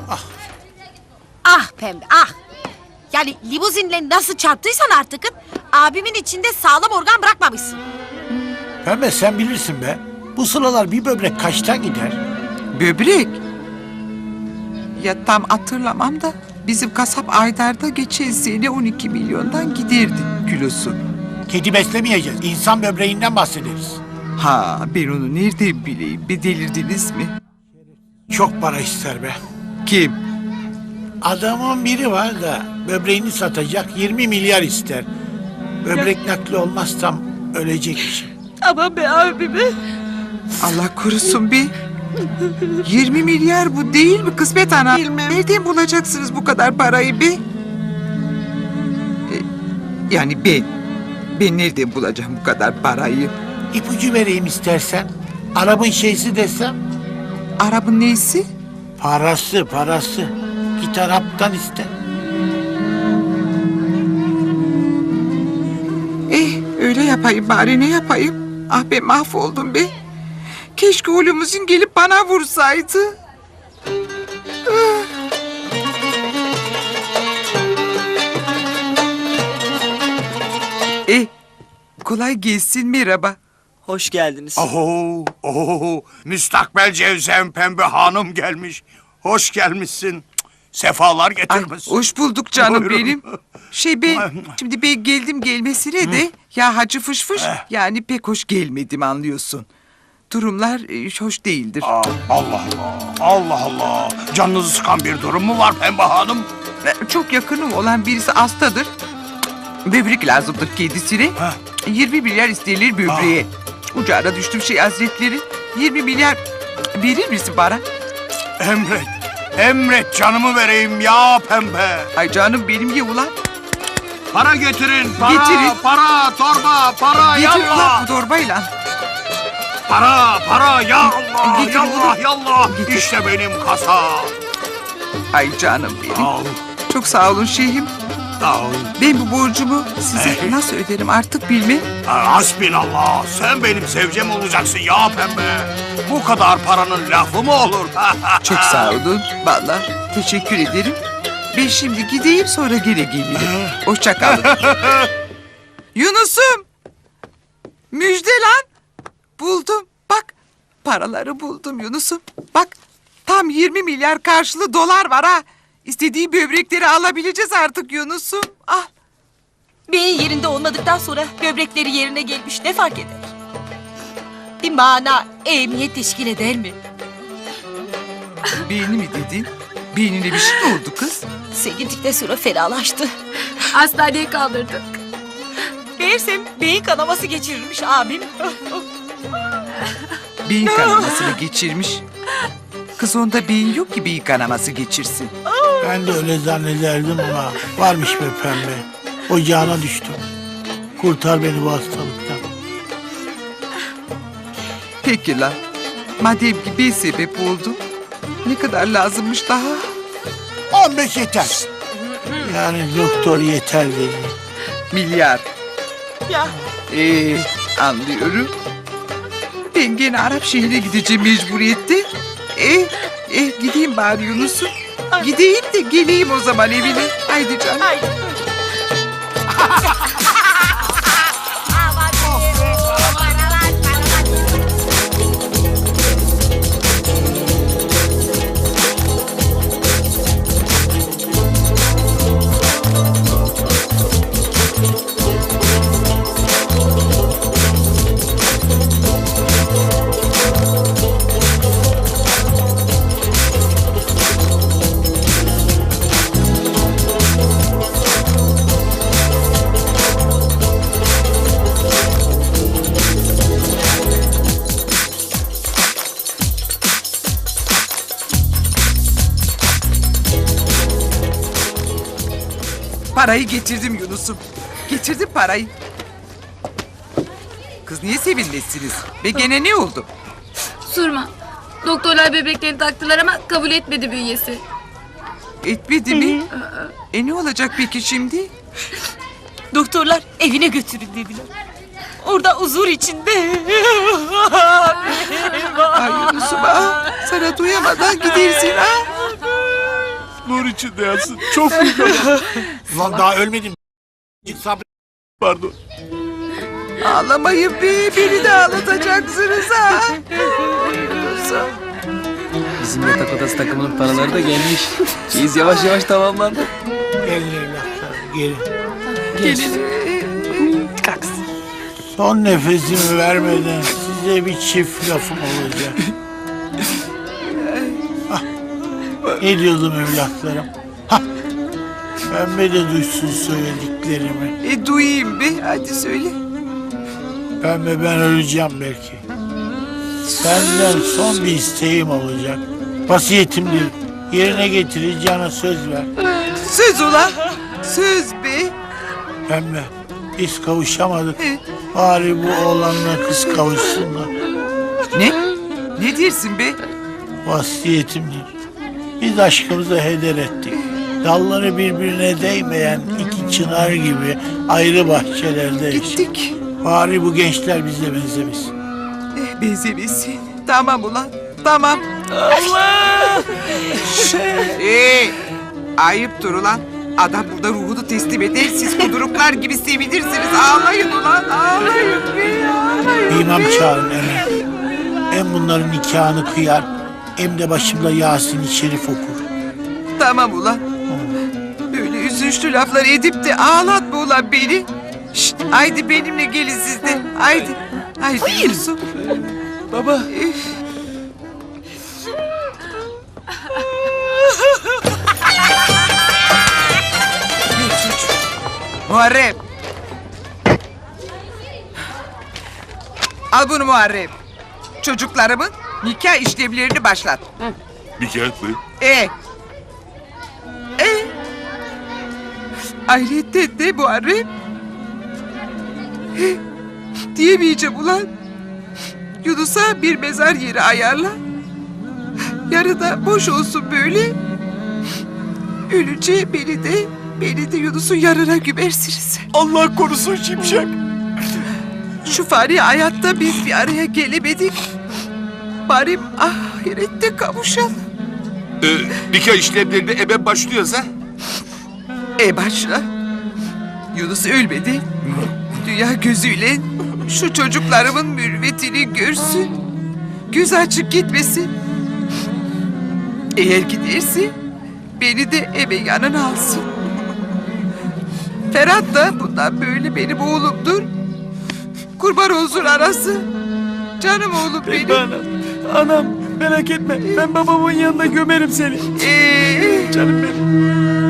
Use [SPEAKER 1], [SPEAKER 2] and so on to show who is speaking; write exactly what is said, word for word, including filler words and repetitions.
[SPEAKER 1] Ah.
[SPEAKER 2] Ah pembe ah. Yani limuzinle nasıl çarptıysan artık abimin içinde sağlam organ bırakmamışsın.
[SPEAKER 1] Pembe sen bilirsin be. Bu sıralar bir böbrek kaçtan gider?
[SPEAKER 3] Böbrek? Ya tam hatırlamam da bizim kasap Aydar'da geçen sene on iki milyondan giderdi kilosu.
[SPEAKER 1] Kedi beslemeyeceğiz. İnsan böbreğinden bahsederiz.
[SPEAKER 3] Ha ben onu nereden bileyim? Bir delirdiniz mi?
[SPEAKER 1] Çok para ister be.
[SPEAKER 3] Kim?
[SPEAKER 1] Adamın biri var da böbreğini satacak yirmi milyar ister. Böbrek nakli olmazsam ölecekmişim.
[SPEAKER 2] Aman be abime.
[SPEAKER 3] Allah korusun be. yirmi milyar bu değil mi kısmet ana?
[SPEAKER 4] Bilmem.
[SPEAKER 3] Nereden bulacaksınız bu kadar parayı be? E, yani ben. Ben nereden bulacağım bu kadar parayı?
[SPEAKER 1] İpucu vereyim istersen. Arabın şeysi desem.
[SPEAKER 3] Arabın neysi?
[SPEAKER 1] Parası parası. Git Arap'tan iste.
[SPEAKER 3] Eh öyle yapayım bari ne yapayım? Ah be mahvoldum be. Keşke oğlumuzun gelip bana vursaydı. Ah. Eh kolay gelsin merhaba.
[SPEAKER 5] Hoş geldiniz.
[SPEAKER 6] Oho, oho, müstakbel Cevzem Pembe Hanım gelmiş. Hoş gelmişsin. Cık, sefalar
[SPEAKER 3] Ay,
[SPEAKER 6] getirmişsin.
[SPEAKER 3] hoş bulduk canım
[SPEAKER 6] Buyurun.
[SPEAKER 3] benim. Şey ben şimdi ben geldim gelmesine de ya hacı fış fış yani pek hoş gelmedim anlıyorsun. Durumlar e, hoş değildir.
[SPEAKER 6] Aa, Allah Allah, Allah Allah. Canınızı sıkan bir durum mu var Pembe Hanım?
[SPEAKER 3] E, Çok yakınım olan birisi hastadır. Böbrek lazımdır kendisine.
[SPEAKER 6] Heh.
[SPEAKER 3] yirmi milyar isterler böbreğe. Ucağına düştüm şey hazretleri. yirmi milyar verir misin bana?
[SPEAKER 6] Emret, emret canımı vereyim ya Pembe.
[SPEAKER 3] Ay canım benim ye ulan.
[SPEAKER 6] Para getirin, para,
[SPEAKER 3] Getirin.
[SPEAKER 6] para, torba, para,
[SPEAKER 3] Getir ulan
[SPEAKER 6] yallah.
[SPEAKER 3] bu torbayla.
[SPEAKER 6] Para, para, ya Allah,
[SPEAKER 3] Getir
[SPEAKER 6] yallah,
[SPEAKER 3] oğlum.
[SPEAKER 6] yallah.
[SPEAKER 3] Getir.
[SPEAKER 6] İşte benim kasa.
[SPEAKER 3] Ay canım benim.
[SPEAKER 6] Al,
[SPEAKER 3] Çok sağ olun şeyhim.
[SPEAKER 6] al.
[SPEAKER 3] Ben bu borcumu size nasıl öderim artık bilmem.
[SPEAKER 6] Hasbinallah, sen benim sevcem olacaksın ya Pembe. Bu kadar paranın lafı mı olur?
[SPEAKER 3] Çok sağ olun. Vallahi teşekkür ederim. Ben şimdi gideyim sonra gene gelirim. Hoşça kalın. Yunus'um. Müjde lan. Buldum. Bak paraları buldum Yunus'um. Bak tam yirmi milyar karşılığı dolar var ha. İstediği böbrekleri alabileceğiz artık Yunus'um. Al.
[SPEAKER 2] Beyin yerinde olmadıktan sonra böbrekleri yerine gelmiş ne fark eder? Bir mana, ehemmiyet teşkil eder mi?
[SPEAKER 3] Beyni mi dedin? Beynine bir şey mi oldu kız?
[SPEAKER 2] Sen gittikten sonra fenalaştı.
[SPEAKER 7] Hastaneye kaldırdık.
[SPEAKER 2] Meğersem beyin kanaması geçirirmiş abim.
[SPEAKER 3] Beyin kanamasını geçirmiş. Kız onda beyin yok ki beyin kanaması geçirsin.
[SPEAKER 1] Ben de öyle zannederdim ama varmış be Pembe. Ocağına düştüm. Kurtar beni bu hastalıktan.
[SPEAKER 3] Peki lan. Madem ki ben sebep oldum. Ne kadar lazımmış daha?
[SPEAKER 1] on beş yeter. Yani doktor yeter dedi.
[SPEAKER 3] Milyar.
[SPEAKER 2] Ya
[SPEAKER 3] Ee, anlıyorum. Ben gene Arap şehrine gideceğim mecburiyette. Eh, eh gideyim bari Yunus'um. Gideyim de geleyim o zaman evine. Haydi canım.
[SPEAKER 2] haydi.
[SPEAKER 3] Parayı getirdim Yunus'um. Getirdim parayı. Kız niye sevinmezsiniz? Ve gene ne oldu?
[SPEAKER 7] Sorma. Doktorlar böbreklerini taktılar ama kabul etmedi bünyesi.
[SPEAKER 3] Etmedi mi? E ne olacak peki şimdi?
[SPEAKER 2] Doktorlar evine götürün dediler. Orada huzur içinde.
[SPEAKER 3] Ay Yunus'um ah, sana duyamadan gidersin ha.
[SPEAKER 4] içinde yatsın. Çok büyük adam.
[SPEAKER 1] Ulan daha ölmedim. Sabret.
[SPEAKER 4] Pardon.
[SPEAKER 3] Ağlamayın be, beni de ağlatacaksınız ha. Yunus'um.
[SPEAKER 5] Bizim yatak odası takımının paraları da gelmiş. Biz yavaş yavaş tamamlandı.
[SPEAKER 1] Gelin evlatlarım gelin.
[SPEAKER 3] Gelin.
[SPEAKER 1] Son nefesimi vermeden size bir çift lafım olacak. Ah, ne diyordum evlatlarım? Hah, Pembe de duysun söylediklerimi.
[SPEAKER 3] E duyayım be, hadi söyle.
[SPEAKER 1] Pembe ben öleceğim belki. Senden son bir isteğim olacak. Vasiyetimdir. Yerine getireceğine söz ver.
[SPEAKER 3] Söz ulan, söz be.
[SPEAKER 1] Pembe biz kavuşamadık.
[SPEAKER 3] Evet.
[SPEAKER 1] Bari bu oğlanla kız kavuşsunlar.
[SPEAKER 3] Ne? Ne dersin be?
[SPEAKER 1] Vasiyetimdir. Biz aşkımızı heder ettik. Dalları birbirine değmeyen iki çınar gibi ayrı bahçelerde yaşadık.
[SPEAKER 3] Gittik.
[SPEAKER 1] Bari bu gençler bize benzemesin.
[SPEAKER 3] Eh, benzemesin. Tamam ulan, tamam.
[SPEAKER 5] Allah!
[SPEAKER 3] Ee, ayıptır ulan. Adam burada ruhunu teslim eder, siz kuduruklar gibi sevinirsiniz. Ağlayın ulan, ağlayın be, ağlayın
[SPEAKER 1] İmam
[SPEAKER 3] be.
[SPEAKER 1] çağırın hemen. Hem bunların nikahını kıyar, hem de başımda Yasin-i Şerif okur.
[SPEAKER 3] Tamam ulan. Böyle üzünçlü laflar edip de ağlatma ulan beni. Şşt, haydi benimle gelin siz de. Haydi. Haydi Yusuf.
[SPEAKER 5] Baba.
[SPEAKER 3] Muharrem. Al bunu Muharrem. Çocuklarımın nikah işlemlerini başlat.
[SPEAKER 4] Bir kağıt mı?
[SPEAKER 3] E. E. Ayrıca de Muharrem. E, diyemeyeceğim ulan. Yunus'a bir mezar yeri ayarla. Yarı da boş olsun böyle. Ölünce beni de beni de Yunus'un yanına gömersiniz.
[SPEAKER 4] Allah korusun Şimşek.
[SPEAKER 3] Şu fani hayatta biz bir araya gelemedik. Bari ahirette kavuşalım.
[SPEAKER 4] Ee, nikah işlemlerine hemen başlıyoruz ha?
[SPEAKER 3] E başla. Yunus ölmedi. Dünya gözüyle şu çocuklarımın mürüvvetini görsün. Göz açık gitmesin. Eğer giderse beni de eve yanına alsın. Ferhat da bundan böyle benim oğlumdur. Kurban olsun arası. Canım oğlum benim.
[SPEAKER 5] Anam, anam merak etme. Ben babamın yanında gömerim seni.
[SPEAKER 3] Ee,
[SPEAKER 5] Canım benim.